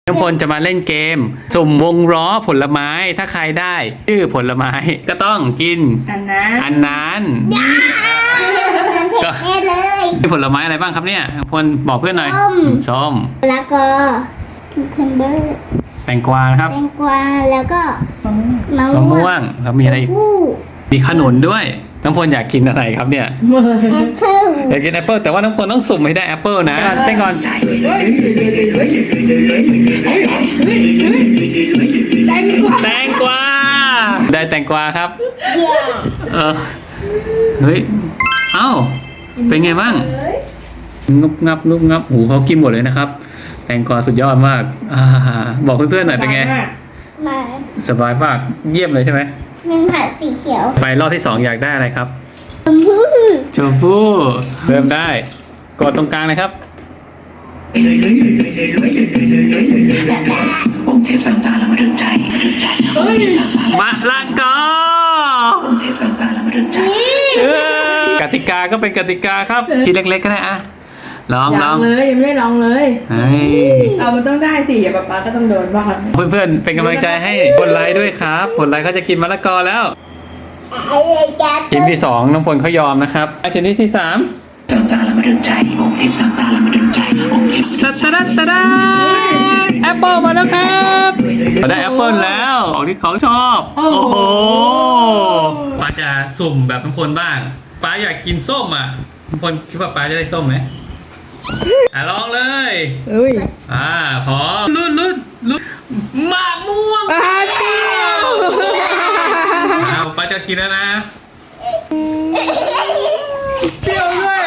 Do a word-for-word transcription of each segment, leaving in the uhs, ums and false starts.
น้ำพลจะมาเล่นเกมสุ่มวงล้อผลไม้ถ้าใครได้ชื่อผลไม้ก็ต้องกินอันนั้นอันนั้นก็แม่เลยมีผลไม้อะไรบ้างครับเนี่ยน้ำพลบอกเพื่อนหน่อยส้มส้มแล้วก็คิวคัมเบอร์แตงกวานะครับแตงกวาแล้วก็มะมะม่ม่ววงงแล้วมีอะไรอีกผู้มีขนุนด้วยน้ำพลอยากกินอะไรครับเนี่ยแอปเปิ้ลอยากกินแอปเปิลแต่ว่าน้ำพลต้องสุ่มให้ได้แอปเปิลนะเต้นก่อนแตงกวาแตงกวาได้แตงกวาครับเย่เออเฮ้ยเอ้าเป็นไงบ้างนุบงับนุบงับหูเขากินหมดเลยนะครับ แตงกวาสุดยอดมากอ่าบอกเพื่อนๆหน่อยเป็นไงมาสบายมากเยี่ยมเลยใช่ไหมเป็นผัดสีเขียวไปรอบที่สองอยากได้อะไรครับชมพู่ชมพู่เริ่มได้กดตรงกลางนะครับองค์เทพสังตาละมาดึงใจมาดึงใจองค์เทพสังตาละมะละกอองค์เทพสังตาละมาดึงใจเออกติกาก็เป็นกติกาครับชิ้นเล็กๆก็ได้อะลองลยัอง งเลยยังไม่ได้ลองเลยเฮ้ยเอามันต้องได้สิอย่าป๊าป๊าก็ต้องโดนบ้างเพื่อนๆเป็นกำลังใจให้กดไลค์ด้วยครับกดไลค์เขาจะกินมะละกอแล้วอะไรกันชิ้นที่สองน้องพลเขายอมนะครับชิ้นที่ที่สามสังตาละมาดึงใจองค์เทพสังตาละมาดึงใจองค์เทพตะตะดะตะดาแอปเปิลมาแล้วครับเราได้แอปเปิลแล้วของที่เขาชอบโอ้โหป้าจะสุ่มแบบน้องพลบ้างป้าอยากกินส้มอ่ะน้องพลคิดว่าป้าจะได้ส้มไหมอ่ะลองเลยเอ้ยอ่าพร้อมลุ้นลุ้นลุ้นมะม่วงอ่าเดียวอ้าวป้าจะกินแล้วนะเปรี้ยวด้วย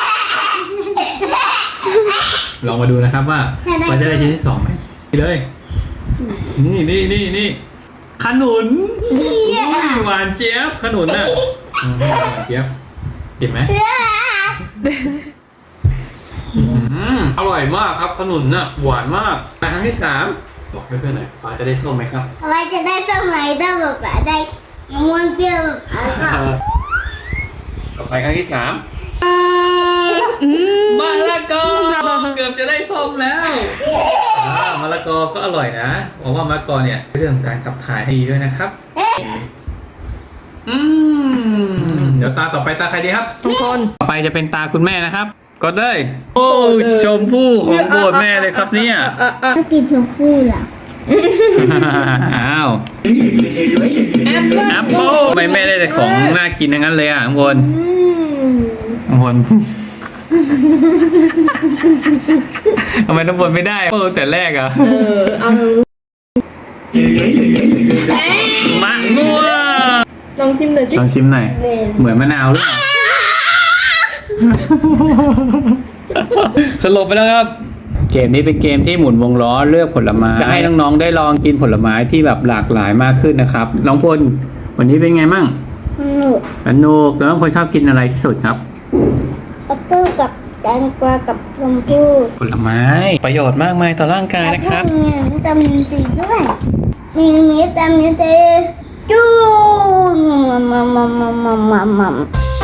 ลองมาดูนะครับว่าป้าจะได้ชิ้นที่สองไหมนี่เลยนี่นี่นี่นี่ขนุนอุ้ยหวานเจี๊ยบขนุนน่ะอืมหวานเจี๊ยบกินไหมอืมอร่อยมากครับขนุนน่ะหวานมากไปครั้งที่สามบอกเพื่อนๆหน่อยป้าจะได้ส้มไหมครับว่าจะได้สมัยได้แบบได้มะม่วงเปรี้ยวแบบแล้วก็ต่อไปครั้งที่สามมะละกอเกือบจะได้ส้มแล้วอ่ามะละกอก็อร่อยนะบอกว่ามะละกอเนี่ยเรื่องการขับถ่ายให้ดีด้วยนะครับอืมเดี๋ยวตาต่อไปตาใครดีครับทุกคนต่อไปจะเป็นตาคุณแม่นะครับกดเลยโอ้ชมพู่ของโปรดแม่เลยครับเนี่ยก็กินชมพู่ล่ะอ้าวแอปเปิ้ลแอปเปิ้ลทำไมแม่ได้แต่ของน่ากินทั้งนั้นเลยอ่ะข้างบนอืมน้ำพล ทำไมน้ำพลไม่ได้เปิดแต่แรกอ่ะเออเอามะม่วงลองชิมหน่อยสิลองชิมหน่อยเว้ยเหมือนมะนาวหรือเปล่า สรุปไปแล้วครับ เกมนี้เป็นเกมที่หมุนวงล้อเลือกผลไม้จะให้น้องๆได้ลองกินผลไม้ที่แบบหลากหลายมากขึ้นนะครับ น้องพลวันนี้เป็นไงมั่งสนุกสนุกแล้วน้องพลชอบกินอะไรที่สุดครับแอปเปิ้ลกับแตงกวากับชมพู่ผลไม้ ประโยชน์มากมายต่อร่างกายนะครับแล้วก็มีวิตามินซีด้วยมีวิตามินซีจูมัมมัมมัมมัมมัมมัม